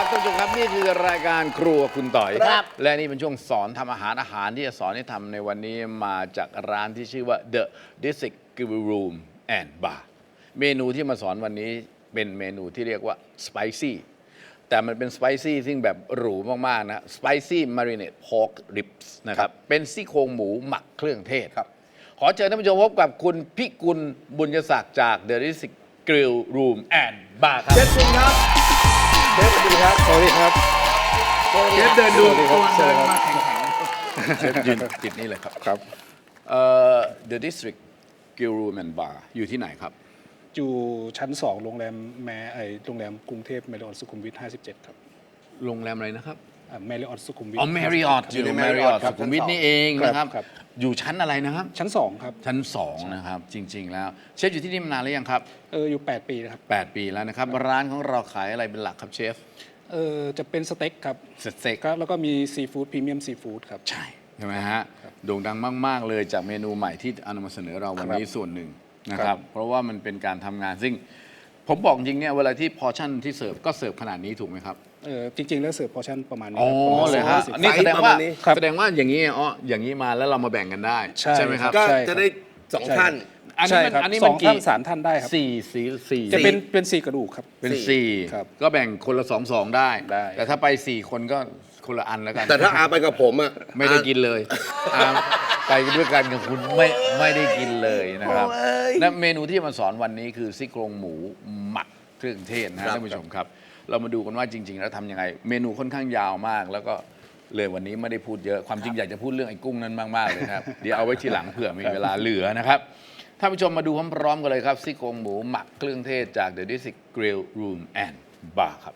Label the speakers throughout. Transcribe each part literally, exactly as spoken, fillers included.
Speaker 1: ท่านผู้ชมครับนี่คือรายการครัวคุณต่อย
Speaker 2: ครับ
Speaker 1: และนี่เป็นช่วงสอนทำอาหารอาหารที่จะสอนให้ทำในวันนี้มาจากร้านที่ชื่อว่า The District Grill Room and Bar เมนูที่มาสอนวันนี้เป็นเมนูที่เรียกว่า spicy แต่มันเป็น spicy ซึ่งแบบหรูมากๆนะ spicy marinade pork ribs นะครับเป็นซี่โครงหมูหมักเครื่องเทศครับขอเชิญท่านผู้ชมพบกับคุณพิกุลบุญยศักดิ์จาก The District Grill Room and Bar ครับ
Speaker 2: เชฟคุณครับเชฟสวัสดีครับสวัสดีครับ
Speaker 1: เชฟเดินดู
Speaker 2: ตัวเดินมา
Speaker 1: เชฟยืนจิตนี่เลยครับ
Speaker 2: ครับ
Speaker 1: เอ่อ The District Grill Room and Bar อยู่ที่ไหนครับ
Speaker 3: อยู่ชั้นสองโรงแรมแมไอโรงแรมกรุงเทพแมริออทสุขุมวิทห้าสิบเจ็ดครับ
Speaker 1: โรงแรมอะไรนะครับ
Speaker 3: แมริออทสุขุมวิท
Speaker 1: อ๋อ Marriott อยู่ใน Marriott สุขุมวิทนี่เองนะครับ
Speaker 3: ครับ
Speaker 1: อยู่ชั้นอะไรนะครับ
Speaker 3: ชั้นสองครับ
Speaker 1: ชั้นสองนะครับ จริง ๆ แล้ว เชฟอยู่ที่นี่มานานหรือยังครับ
Speaker 3: เอออยู่แปดปีนะครับ
Speaker 1: แปดปีแล้วนะครับ ร้านของเราขายอะไรเป็นหลักครับเชฟ
Speaker 3: เออจะเป็นสเต็กครับ
Speaker 1: สเต็ก
Speaker 3: ครับแล้วก็มีซีฟู้ดพรีเมียมซีฟู้ดครับ
Speaker 1: ใช่ใช่ไหมฮะโด่งดังมาก ๆ เลยจากเมนูใหม่ที่เอานำมาเสนอเราวันนี้ส่วนหนึ่งนะค
Speaker 3: ครั
Speaker 1: รับ
Speaker 3: บ
Speaker 1: เพราะว่ามันเป็นการทำงานซึ่งผมบอกจริงเนี่ยเวลาที่พอชั่นที่เสิร์ฟก็เสิร์ฟขนาดนี้ถูกไหมครับ
Speaker 3: เออจริง ๆ แล้วเสิร์ฟพอร์ชั่นประมาณนี้
Speaker 1: อ๋อ
Speaker 3: ครับประมาณ
Speaker 1: เลยฮะ
Speaker 3: สี่
Speaker 1: นี่
Speaker 3: สิบ
Speaker 1: แสดงว่า
Speaker 3: ครับ
Speaker 1: แสดงว่าอย่างนี้อ๋ออย่างนี้มาแล้วเรามาแบ่งกันได้
Speaker 3: ใช่
Speaker 1: ไหมครับ
Speaker 2: ก็
Speaker 3: ใช่ครับ
Speaker 2: จะได้สอง
Speaker 3: ใช่
Speaker 2: ท่าน
Speaker 1: อันนี้
Speaker 3: ใช่
Speaker 1: มัน
Speaker 3: ครับ
Speaker 1: อันนี้
Speaker 3: ส
Speaker 1: มั
Speaker 3: อน ง
Speaker 1: กี่
Speaker 3: ท่านสามท่านได้ครับ
Speaker 1: สี่สี่สี่
Speaker 3: จะเป็นเป็นสี่กระดูกครับ
Speaker 1: เป็นสี่
Speaker 3: ครับ
Speaker 1: ก็แบ่งคนละสองสองได้
Speaker 3: ได้
Speaker 1: แต่ถ้าไปสี่คนก็คนละอันแล้วกัน
Speaker 2: แต่ถ้าอาไปกับผมอ่ะ
Speaker 1: ไม่ได้กินเลยอ่าไปด้วยกันกับคุณไม่ไม่ได้กินเลยนะครับและเมนูที่จะมาสอนวันนี้คือซี่โครงหมูหมักเครื่องเทศนะฮะท่านผู้ชมครับ เรามาดูกันว่าจริง ๆ แล้วทำยังไง เมนูค่อนข้างยาวมาก แล้วก็เลยวันนี้ไม่ได้พูดเยอะความจริงอยากจะพูดเรื่องไอ้กุ้งนั้นมากๆเลยครับ เดี๋ยวเอาไว้ทีหลังเผื่อมีเวลาเหลือนะครับท่านผู้ชมมาดูพร้อมๆกันเลยครับซี่โครงหมูหมักเครื่องเทศจาก The District Grill Room and Bar ครับ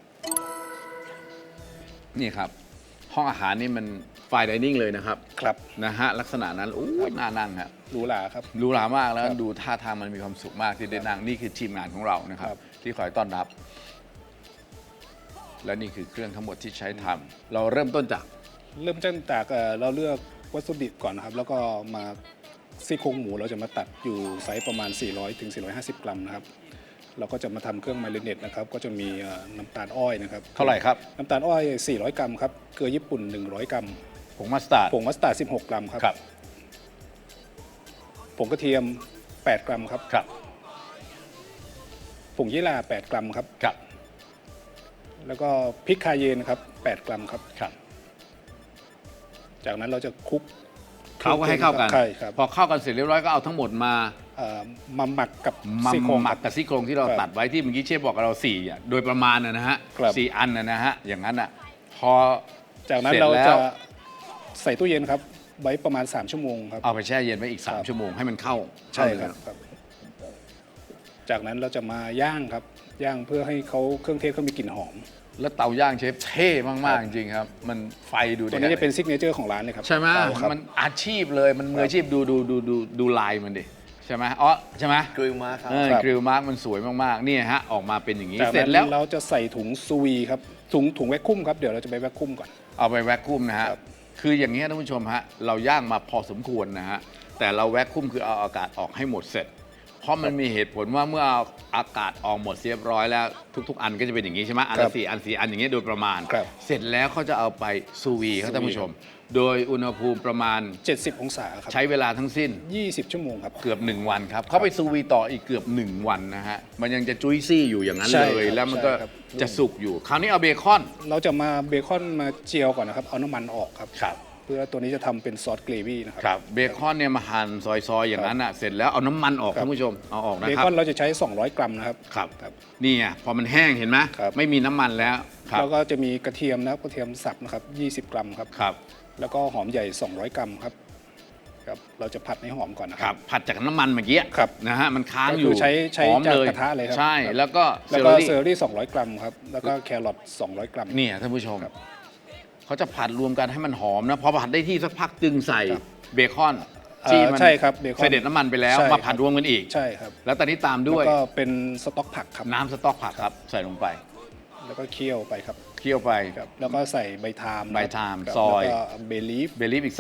Speaker 1: นี่ครับ ห้องอาหารนี่มันไฟน์ไดนิ่งเลยนะครับ
Speaker 3: ครับ
Speaker 1: นะฮะลักษณะนั้นอู้ยน่านั่งครับ
Speaker 3: หรูหราครับ
Speaker 1: หรูหรามากแล้ว
Speaker 3: ครับ
Speaker 1: ดูท่าทางมันมีความสุขมากที่ได้นั่งนี่คือทีมงานของเรานะครับ
Speaker 3: ครับ
Speaker 1: ที่คอยต้อนรับ และนี่คือเครื่องทั้งหมดที่ใช้ทำเราเริ่มต้นจาก
Speaker 3: เริ่มต้นจากเอ่อเราเลือกวัตถุดิบก่อนนะครับ แล้วก็มาซี่โครงหมูเราจะมาตัดอยู่ไซส์ประมาณ สี่ร้อยถึงสี่ร้อยห้าสิบ กรัมนะครับ เราก็จะมาทำเครื่องมาริเนตนะครับ ก็จะมีเอ่อน้ำตาลอ้อยนะครับ
Speaker 1: เท่าไหร่ครับ
Speaker 3: น้ำตาลอ้อย สี่ร้อย กรัมครับ เกลือญี่ปุ่น หนึ่งร้อย กรัม
Speaker 1: ผงมัสตาร์ด
Speaker 3: ผงมัสตาร์ด สิบหก กรัมครับ
Speaker 1: ครับ
Speaker 3: ผงกระเทียม แปด กรัมครับ
Speaker 1: ครับ
Speaker 3: ผงยี่หร่า แปด กรัมครับ
Speaker 1: ครับ
Speaker 3: แล้วก็พริกคาเยนครับ แปด กรัมครับ
Speaker 1: ครับ
Speaker 3: จากนั้นเราจะคลุก
Speaker 1: เขาก็ให้เข้ากัน
Speaker 3: ใช่ครับ
Speaker 1: พอเข้ากันเสร็จเรียบร้อยก็เอาทั้งหมดมา
Speaker 3: เอ่อมาหมักกับ
Speaker 1: มา
Speaker 3: ซี่โครง
Speaker 1: หมัก
Speaker 3: ค
Speaker 1: กั
Speaker 3: รั
Speaker 1: บบ ซี่โครงที่เรา
Speaker 3: ครับ
Speaker 1: ตัดไว้ที่เมื่อกี้เชฟบอกกับเราสี่อ่ะโดยประมาณนะนะฮะ
Speaker 3: ครับ
Speaker 1: สี่อันนะนะฮะอย่างนั้นอ่ะพอ
Speaker 3: จากนั้น
Speaker 1: สจ
Speaker 3: เรา
Speaker 1: แล้ว
Speaker 3: จะใส่ตู้เย็นครับ ไว้ประมาณ สาม ชั่วโมงครับ
Speaker 1: เอาไปแช่เย็นไว้อีก
Speaker 3: ครับ
Speaker 1: สาม ชั่วโมงให้มันเข้า
Speaker 3: ใช่
Speaker 1: เข้า
Speaker 3: ครับ
Speaker 1: เนื้อ
Speaker 3: ครับ จากนั้นเราจะมาย่างครับ ย่างเพื่อให้เขาเครื่องเทศเขามีกลิ่นหอม
Speaker 1: แล้วเตาย่างเชฟเท่มากๆจริงๆครับ มันไฟดู
Speaker 3: ตัว
Speaker 1: ดิ
Speaker 3: นี้จะเป็นซิกเนเจอร์ของร้านเลยครับ
Speaker 1: ใช่ไหม
Speaker 3: เตาครับ
Speaker 1: มันอาชีพเลยมันมืออาชีพดูดูดูดูดูลายมันดิใช่ไหมอ๋อใช่ไหม
Speaker 2: กริลมาครับ
Speaker 1: เออ
Speaker 3: ครับ
Speaker 1: กริลมาร์กมันสวยมากๆนี่ฮะออกมาเป็นอย่างนี้
Speaker 3: จาก
Speaker 1: เสร็
Speaker 3: นั้
Speaker 1: จ
Speaker 3: น
Speaker 1: แล้ว
Speaker 3: เราจะใส่ถุงซูวีครับถุงถุงแวคคุมครับเดี๋ยวเราจะไปแวคคุมก่อน
Speaker 1: เอาไปแวคคุมนะฮะ
Speaker 3: ครับ
Speaker 1: คืออย่างนี้ท่านผู้ชมฮะเราย่างมาพอสมควรนะฮะแต่เราแวคคุมคือเอาอากาศออกให้หมดเสร็จ เพราะมันมีเหตุผลว่าเมื่อเอาอากาศออกหมดเรียบร้อยแล้วทุก ๆ อันก็จะเป็นอย่างนี้ใช่ไหมอัน
Speaker 3: ครั
Speaker 1: ละ
Speaker 3: บ
Speaker 1: สี่อันสี่อันอย่างเงี้ยโดยประมาณ
Speaker 3: ครับ
Speaker 1: เสร็จแล้วเขาจะเอาไปซูวีครับท่านผู้ชม โดยอุณหภูมิประมาณ
Speaker 3: เจ็ดสิบ องศาครับ
Speaker 1: ใช้เวลาทั้งสิ้น
Speaker 3: ยี่สิบ ชั่วโมงครับ
Speaker 1: เกือบ หนึ่ง วันครับเขาไปซูวีต่ออีกเกือบ หนึ่ง วันนะฮะมันยังจะจุ้ยซี่อยู่อย่างนั้น
Speaker 3: ใช่
Speaker 1: เลย
Speaker 3: ครับ
Speaker 1: แล้วมันก็
Speaker 3: ใช่ครับ
Speaker 1: จะสุกอยู่ คราวนี้เอาเบคอน
Speaker 3: เราจะมาเบคอนมาเจียวก่อนนะครับ เอาน้ำมันออกครับ
Speaker 1: ครับ
Speaker 3: เพื่อตัวนี้จะทำเป็นซอสเกรวี่นะครับ
Speaker 1: ครับเบคอนเนี่ยมาหั่นซอยๆอย่างนั้นอ่ะเสร็จแล้วเอาน้ำมันออก
Speaker 3: ครับ
Speaker 1: ท่านผู้ชมเอาออกนะ
Speaker 3: เบ
Speaker 1: ครับ
Speaker 3: คอนเราจะใช้ สองร้อย กรัมนะครับ
Speaker 1: ครับ
Speaker 3: ครับ
Speaker 1: นี่ไงพอมันแห้งเห็นไหม
Speaker 3: ครับ
Speaker 1: ไม่มีน้ำมันแล้วครับ
Speaker 3: แล้วก็จะมีกระเทียมนะครับกระเทียมสับนะครับ ยี่สิบ กรัมครับ
Speaker 1: ครับ
Speaker 3: แล้วก็หอมใหญ่ สองร้อย กรัมครับครับ เราจะผัดให้หอมก่อนนะ
Speaker 1: ค
Speaker 3: ค
Speaker 1: รั
Speaker 3: รั
Speaker 1: บบ ผัดจากน้ำมันเมื่อกี้
Speaker 3: ครับ
Speaker 1: นะฮะมันค้าง
Speaker 3: ก็
Speaker 1: อ
Speaker 3: คื
Speaker 1: ยู่
Speaker 3: อใช้ใช้
Speaker 1: หอม
Speaker 3: จาก
Speaker 1: เลย
Speaker 3: กระทะเลยครับ
Speaker 1: ใช่
Speaker 3: ครับ
Speaker 1: แล้วก็
Speaker 3: แล้ว
Speaker 1: เซ
Speaker 3: ก็
Speaker 1: อร์รี่
Speaker 3: เซอร์รี่ สองร้อย กรัมครับ แล้วก็แครอท สองร้อย กรัม
Speaker 1: เนี่ยท่านผู้ชม
Speaker 3: ครับ
Speaker 1: เขาจะผัดรวมกันให้มันหอมนะพอผัดได้ที่สักพักจึงใส่
Speaker 3: ครับ
Speaker 1: เบคอน
Speaker 3: เอ่อ
Speaker 1: ที่มัน
Speaker 3: ใช่ครับเบคอน
Speaker 1: เสด็จน้ำมันไปแล้ว
Speaker 3: ใช่
Speaker 1: มาผัด
Speaker 3: ครับ
Speaker 1: รวมกันอีก
Speaker 3: ใช่ครับ
Speaker 1: แล้วตอนนี้ตาม
Speaker 3: แล้
Speaker 1: ด้
Speaker 3: ว
Speaker 1: วย
Speaker 3: ก็เป็นสต๊อกผักครับ
Speaker 1: น้ำสต๊อกผักครับใส่ลงไป
Speaker 3: แล้วก็เคี่ยวไปครับ
Speaker 1: เคี่ยวไป
Speaker 3: ครับ แล้วก็ใส่ใบทาม
Speaker 1: ใบทาม
Speaker 3: ครับ
Speaker 1: ซอย
Speaker 3: แล้วก็เบลีฟ
Speaker 1: เบลีฟอีกสัก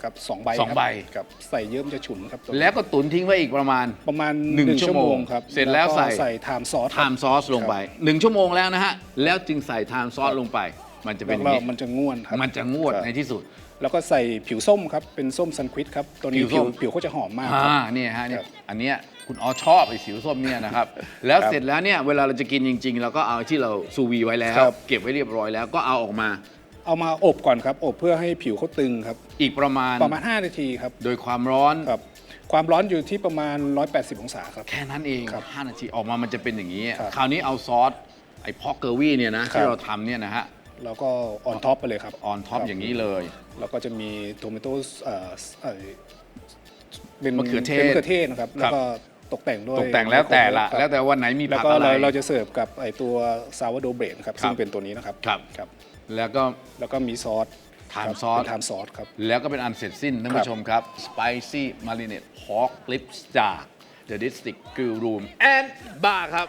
Speaker 3: ครับสองใบ
Speaker 1: สองใบ
Speaker 3: ครับใส่เยิ้มจะฉุนครับ
Speaker 1: แล้วก็ตุนทิ้งไว้อีกประมาณ
Speaker 3: ประมาณ
Speaker 1: หนึ่ง
Speaker 3: หนึ่ง
Speaker 1: ชั่
Speaker 3: ชั่
Speaker 1: ว
Speaker 3: ว
Speaker 1: โม
Speaker 3: โม
Speaker 1: ง
Speaker 3: งครับ
Speaker 1: เสร็จแล้วใส่
Speaker 3: ก็ใส่ไทม์ซอส
Speaker 1: ไทม์ซอสลงไปหนึ่งชั่วโมงแล้วนะฮะแล้วจึงใส่ไทม์ซอสลงไป มันจะเป็นอย่าง
Speaker 3: แล้ว
Speaker 1: นี้
Speaker 3: มันจะง่วนครับ
Speaker 1: มันจะงวด
Speaker 3: ครับ
Speaker 1: ในที่สุด
Speaker 3: แล้วก็ใส่ผิวส้มครับเป็นส้มซันควิดครับตัวนี้
Speaker 1: ผิวส้
Speaker 3: ผิว
Speaker 1: ม
Speaker 3: ผิวเขาจะหอมมากค
Speaker 1: อ่า
Speaker 3: รับ
Speaker 1: เนี่ยฮะเนี่ย
Speaker 3: ครับ
Speaker 1: อันเนี้ยคุณอ๋อชอบไอ้สิวส้มเนี่ยนะครับ แล้ว
Speaker 3: ครับ
Speaker 1: เสร็จแล้วเนี่ยเวลาเราจะกินจริง ๆ เราก็เอาที่เราซูวีไว้แล้ว
Speaker 3: ครับ
Speaker 1: เก็บไว้เรียบร้อยแล้วก็เอาออกมา
Speaker 3: เอามาอบก่อนครับอบเพื่อให้ผิวเขาตึงครับ
Speaker 1: อีกประมาณ
Speaker 3: ประมาณห้านาทีครับ
Speaker 1: โดยความร้อน
Speaker 3: ครับความร้อนอยู่ที่ประมาณหนึ่งร้อยแปดสิบองศาครับ
Speaker 1: แค่นั้นเอง
Speaker 3: ครับ
Speaker 1: ห้านาทีออกมามันจะเป็นอย่างนี้
Speaker 3: ครับ
Speaker 1: คราวนี้เอาซอสไอ้พอกเกอร์วี่เนี่ยนะ
Speaker 3: ครั
Speaker 1: ที่
Speaker 3: บ
Speaker 1: เราทำเนี่ยนะฮะ
Speaker 3: แล้วก็ออนท็อปไปเลยครับ
Speaker 1: ออนท็อปอย่างนี้เลย
Speaker 3: แล้วก็จะมีโทมิโต้เอ่อเอ่อเป็น
Speaker 1: มะเขือเทศ
Speaker 3: ป็นมะเขือเทศนะครับ แล้วก็ตกแต่งด้วย
Speaker 1: ตกแต่งแล้วแต่ละ
Speaker 3: ครับ
Speaker 1: แล้วแต่วันไหนมี
Speaker 3: แล้ว
Speaker 1: ผัก
Speaker 3: ก็
Speaker 1: อะไร
Speaker 3: เราเราจะเสิร์ฟกับไอตัวซาวโดเบรดครับ
Speaker 1: ครับ
Speaker 3: ซึ่งเป็นตัวนี้นะครับ
Speaker 1: ครับ
Speaker 3: ครับ
Speaker 1: แล้วก็
Speaker 3: แล้วก็มีซอส
Speaker 1: ทาน
Speaker 3: ครับ
Speaker 1: ซอส
Speaker 3: เป็นทานซอสครับ
Speaker 1: แล้วก็เป็นอันเสร็จสิ้นท่าน
Speaker 3: ครับ
Speaker 1: ผู้ชมครับ Spicy Marinade Pork Lips จาก The District Grill Room and Bar ครับ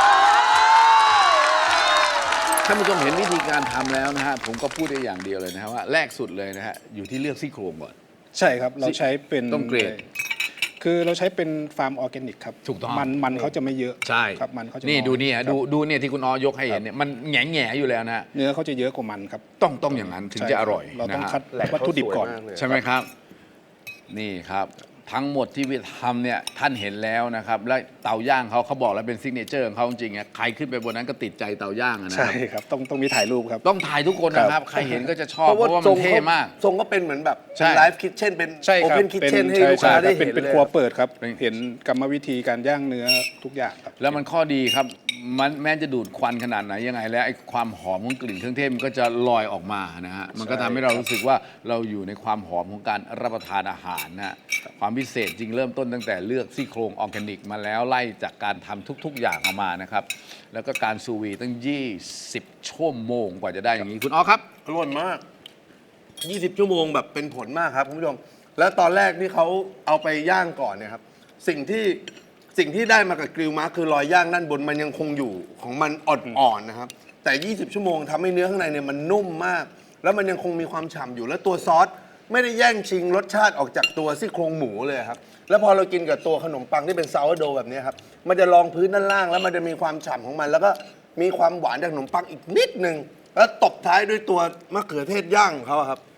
Speaker 1: ท่านผู้ชมเห็นวิธีการทำแล้วนะฮะผมก็พูดได้อย่างเดียวเลยนะฮะว่าแรกสุดเลยนะฮะอยู่ที่เลือกซี่โครงก่อน
Speaker 3: ใช่ครับ เราใช้เป็น
Speaker 1: ต้องเกรด
Speaker 3: คือเราใช้เป็นฟาร์มออร์แกนิกครับ
Speaker 1: ถูกต้อง
Speaker 3: มันมันเขาจะไม่เยอะ
Speaker 1: ใช่
Speaker 3: ครับมันเขาจะ
Speaker 1: นี่
Speaker 3: อย
Speaker 1: ดูเนี่ย
Speaker 3: ครับ
Speaker 1: ดูดูเนี่ยที่คุณออยกให้เห็นเนี่ยมันแง่แง่ๆอยู่แล้วนะฮะ
Speaker 3: เนื้อเขาจะเยอะกว่ามันครับ
Speaker 1: ต้องต้องอย่างนั้นถึง
Speaker 3: ใช่
Speaker 1: จะอร่อย
Speaker 3: เราต้อง
Speaker 1: นะฮะ
Speaker 3: คัดวัตถุดิบก่อน
Speaker 2: แหล่งเขาสวยมากเลย
Speaker 1: ใช่ไหมครับ นี่ครับ ทั้งหมดที่วิทำเนี่ยท่านเห็นแล้วนะครับ และเตาย่างเขาเขาบอกแล้วเป็นซิกเนเจอร์ของเขาจริงๆอะใครขึ้นไปบนนั้นก็ติดใจเตาย่างอะนะค
Speaker 3: ใช่
Speaker 1: รับ
Speaker 3: ครับต้องต้องมีถ่ายรูปครับ
Speaker 1: ต้องถ่ายทุกคนนะครับ ใครเห็นก็จะชอบเพราะว่า
Speaker 2: ท
Speaker 1: มั
Speaker 2: ร
Speaker 1: น
Speaker 2: ง
Speaker 1: เท่
Speaker 2: เขา
Speaker 1: มาก
Speaker 2: ทรงก็เป็นเหมือนแบบ
Speaker 1: ใช่
Speaker 2: ไลฟ์คิทเช่นเป็น
Speaker 3: ใช่
Speaker 2: โอ
Speaker 3: ครับ
Speaker 2: เพนคิทเช่นให้
Speaker 3: ใช่
Speaker 2: ลูกค้า
Speaker 3: ใช่
Speaker 2: ได้
Speaker 3: เป็
Speaker 2: เห็
Speaker 3: น
Speaker 2: น
Speaker 3: เป็น
Speaker 2: เลย
Speaker 3: ครัวเปิดครับ
Speaker 1: เป็น
Speaker 3: เห็นกรรมวิธีการย่างเนื้อทุกอย่างครับ
Speaker 1: แล้วมันข้อดีครับ มันแม้จะดูดควันขนาดไหนยังไง แล้วไอ้ความหอมของกลิ่นเครื่องเทศมันก็จะลอยออกมานะฮะ มันก็ทำให้เรารู้สึกว่าเราอยู่ในความหอมของการรับประทานอาหารนะฮะ ความพิเศษจริงเริ่มต้นตั้งแต่เลือกซี่โครงออร์แกนิกมาแล้วไล่จากการทำทุก ๆ อย่างออกมานะครับ แล้วก็การซูวีตั้ง ยี่สิบ ชั่วโมงกว่าจะได้อย่างนี้คุณอ๋อครับ
Speaker 2: อร่อยมาก ยี่สิบ ชั่วโมงแบบเป็นผลมากครับคุณผู้ชม แล้วตอนแรกที่เขาเอาไปย่างก่อนเนี่ยครับ สิ่งที่สิ่งที่ได้มากับกริลมาร์คคือรอยย่างด้านบนมันยังคงอยู่ของมันอ่อนๆนะครับ แต่ ยี่สิบ ชั่วโมงทำให้เนื้อข้างในเนี่ยมันนุ่มมาก แล้วมันยังคงมีความฉ่ำอยู่ แล้วตัวซอสไม่ได้แย่งชิงรสชาติออกจากตัวซี่โครงหมูเลยครับ แล้วพอเรากินกับตัวขนมปังที่เป็นซาวโดแบบนี้ครับ มันจะรองพื้นด้านล่าง แล้วมันจะมีความฉ่ำของมัน แล้วก็มีความหวานจากขนมปังอีกนิดนึง แล้วตบท้ายด้วยตัวมะเขือเทศย่างของเขาอะครับ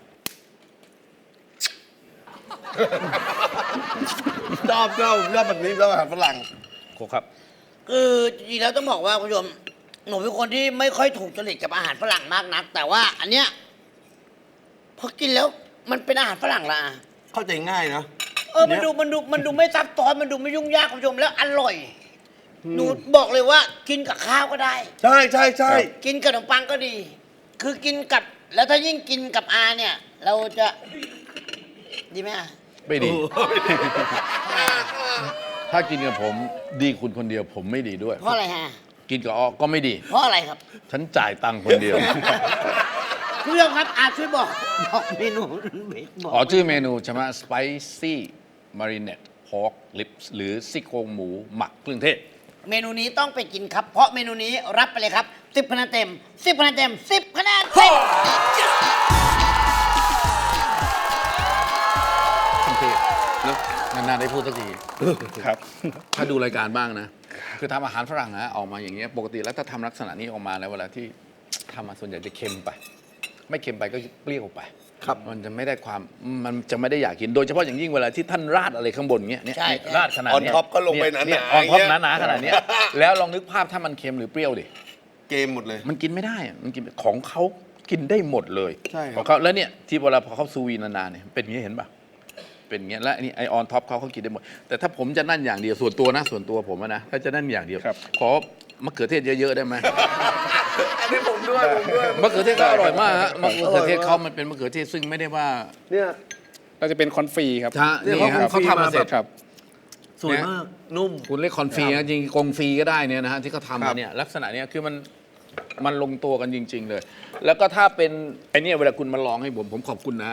Speaker 2: ชอบชอบชอบแบบนี้แล้วอาหารฝรั่ง
Speaker 1: ครับ
Speaker 4: คือจริงๆแล้วต้องบอกว่าคุณผู้ชมหนูเป็นคนที่ไม่ค่อยถูกจริตกับอาหารฝรั่งมากนัก แต่ว่าอันเนี้ยพอกินแล้วมันเป็นอาหารฝรั่งละอ่ะ
Speaker 2: เข้าใจง่ายนะ
Speaker 4: เออมันดูมันดูมันดูไม่ซับซ้อนมันดูไม่ยุ่งยากคุณผู้ชมแล้วอร่อยหนูบอกเลยว่ากินกับข้าวก็ได้
Speaker 2: ใช่ใช่ใช่
Speaker 4: กินกับขนมปังก็ดี คือกินกับแล้วถ้ายิ่งกินกับอาเนี่ย เราจะดีไหมอ่ะ
Speaker 1: ไม่ดี ถ้ากินกับผมดีคุณคนเดียวผมไม่ดีด้วย
Speaker 4: เพราะอะไรฮะ
Speaker 1: กินกับออก็ไม่ดี
Speaker 4: เพราะอะไรครับ
Speaker 1: ฉันจ่ายตังค์คนเดียว
Speaker 4: คุณผู้ชมครับอาช่วยบอกบอกเมนูบอก
Speaker 1: อ๋อชื่อเมนูใช่ไหม Spicy Marinade Pork Lips หรือซี่โครงหมูหมักเครื่องเทศ
Speaker 4: เมนูนี้ต้องไปกินครับ เพราะเมนูนี้รับไปเลยครับสิบคะแนนเต็มสิบคะแนนเต็มสิบคะแนนเต็ม
Speaker 1: เครื่องเทศเนอะนานๆได้พูดสักที
Speaker 3: ครับ
Speaker 1: ถ้าดูรายการบ้างนะ คือทำอาหารฝรั่งนะออกมาอย่างเงี้ยปกติแล้วถ้าทำลักษณะนี้ออกมาแล้วเวลาที่ทำมาส่วนใหญ่จะเค็มไป ไม่เค็มไปก็เปรี้ยวไป
Speaker 2: ครับ
Speaker 1: มันจะไม่ได้ความมันจะไม่ได้อยากกิน โดยเฉพาะอย่างยิ่งเวลาที่ท่านราดอะไรข้างบนเงี้ยเนี่ย
Speaker 4: ใช่
Speaker 1: เนี่ยราดขนาด
Speaker 2: ออน
Speaker 1: เนี้ย
Speaker 2: ท็อปก็ลงไปหนาๆ
Speaker 1: เย
Speaker 2: อ
Speaker 1: ออนท็อป
Speaker 2: ย่างเงี้ย
Speaker 1: หนาๆขนาดเนี้ยแล้วลองนึกภาพถ้ามันเค็มหรือเปรี้ยวดิ
Speaker 2: เกมหมดเลย
Speaker 1: มันกินไม่ได้อะมันกินของเขากินได้หมดเลย
Speaker 2: ใช่ครับ
Speaker 1: ของเขาแล้วเนี่ยที่เวลาพอเขาซูวีนานๆเนี่ยเป็นอย่างนี้เห็นป่ะเป็นอย่างเงี้ยและอันนี่ไอออนท็อปเขาเขากินได้หมด แต่ถ้าผมจะนั่นอย่างเดียวส่วนตัวนะส่วนตัวผมอะนะถ้าจะนั่นอย่างเดียว
Speaker 3: ครับ
Speaker 1: ขอมะเขือเทศเยอะๆได้ไหม
Speaker 2: อันนี้ผมด้วยผมด้วย
Speaker 1: มะเขือเทศก็อร่อยมากฮะมะเขือเทศเขามันเป็นมะเขือเทศซึ่งไม่ได้ว่า
Speaker 2: เนี่ย
Speaker 3: เราจะเป็นคอนฟรีครับ
Speaker 1: ช้า
Speaker 2: เนี่ย
Speaker 1: นี่ครับ
Speaker 2: เขา
Speaker 1: เขาทำมาเสร็จ
Speaker 3: ครับ
Speaker 2: สวยมาก นุ่ม
Speaker 1: คุณเรียกคอนฟรีนะจริงๆกงฟรีก็ได้เนี่ยนะฮะที่เขาทำ
Speaker 2: ครั
Speaker 1: มา
Speaker 2: บ
Speaker 1: เนี่ยลักษณะเนี้ยคือมันมันลงตัวกันจริง ๆ เลย แล้วก็ถ้าเป็นไอเนี่ยเวลาคุณมาลองให้ผมผมขอบคุณนะฮะ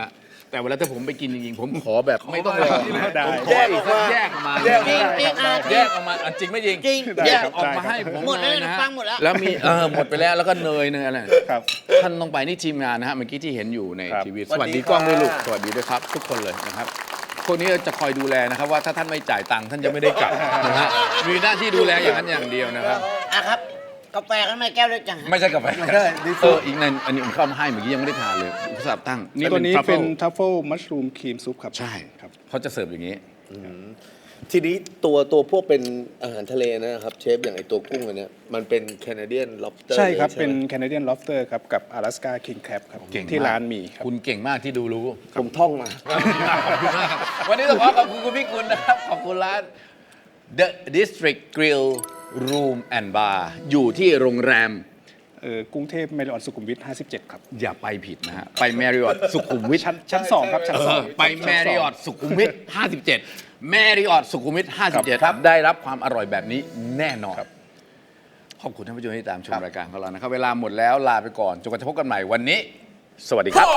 Speaker 1: แต่เวลาถ้าผมไปกินจริงๆ ผมขอแบบไม่ต้องรอ
Speaker 3: ได้
Speaker 1: ผมขออีกสักแยกออกมา
Speaker 2: แยก
Speaker 4: จริงจริงอ่ะจ
Speaker 1: แย
Speaker 4: ริง
Speaker 1: กออกมาอ่ะจริงไม่จริง
Speaker 4: จริง
Speaker 1: แยกออกมาให้ผม
Speaker 4: หมดแล้ว
Speaker 1: เลยนะฮะ
Speaker 4: ฟังหมดแล้ว
Speaker 1: แล้วมีเออหมดไปแล้วแล้วก็เนยเนยอะไร
Speaker 3: ครับ
Speaker 1: ท่านต้องไปนี่ทีมงานนะฮะเมื่อกี้ที่เห็นอยู่ใน
Speaker 3: ครับ
Speaker 1: ทีวี
Speaker 2: ส
Speaker 1: ส
Speaker 2: วั
Speaker 1: วั
Speaker 2: ส
Speaker 1: ส
Speaker 2: ดี
Speaker 1: ดีกล้องด้วยลูก
Speaker 2: ค่ะ
Speaker 1: สวัสดีด้วยครับ ทุกคนเลยนะครับพวกนี้จะคอยดูแลนะครับว่าถ้าท่านไม่จ่ายตังค์ท่านจะไม่ได้กลับนะฮะมีหน้าที่ดูแลอย่างนั้นอย่างเดียวนะครับ
Speaker 4: อ่ะครับ กาแฟข้างในแก้วเล็กจัง
Speaker 1: ไม่ใช่กาแฟ
Speaker 2: ไม่ใช่ดิ
Speaker 1: เอออีกในอันนี้ผมเข้ามาให้เมื่อกี้ยังไม่ได้ทานเลยอุตส่าห์ตั้งนี่
Speaker 3: ตัวนี้
Speaker 1: ทรัฟ
Speaker 3: เป็
Speaker 1: ฟิ
Speaker 3: น
Speaker 1: ล
Speaker 3: ทัฟเฟิลมัชรูมครีมซุปครับ
Speaker 1: ใช่
Speaker 3: ครับ
Speaker 1: เขาจะเสิร์ฟอย่างนี้
Speaker 2: ทีนี้ตัวตัวพวกเป็นอาหารทะเลนะครับเชฟอย่างไอตัวกุ้งอันเนี้ยมันเป็นแคนาเดียนล็อบสเตอร์
Speaker 3: ใช่ครับ เป็นแคนาเดียนล็อบสเตอร์ครับ กับ阿拉斯加คิงแครบครับ
Speaker 1: เก่งมก
Speaker 3: ที่ร้านมีครับ
Speaker 1: คุณเก่งมากที่ดูรู้
Speaker 2: ผมท่องมา
Speaker 1: ขอบคุณมากครับวันนี้ต้องขอขอบคุณคุณพี่กุลนะครับ ขอบคุณร้าน The District Grill Room and Bar อยู่ที่โรงแรม
Speaker 3: เออกรุงเทพเมริออนสุขุมวิทห้าสิบเจ็ดครับ
Speaker 1: อย่าไปผิดนะฮะ ไป Marriott สุขุมวิท
Speaker 3: ชั้นชั้นสองครับ ชั้นสอง
Speaker 1: ไป Marriott สุขุมวิทห้าสิบเจ็ด Marriott สุขุมวิทห้าสิบเจ็ดครับได้รับความอร่อยแบบนี้แน่นอน ขอบคุณท่านผู้ชมที่ตามชมรายการของเรานะครับ เวลาหมดแล้วลาไปก่อนจนกว่าจะพบกันใหม่วันนี้ สวัสดีครับ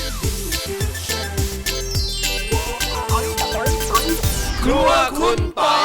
Speaker 2: ครัวคุณปอย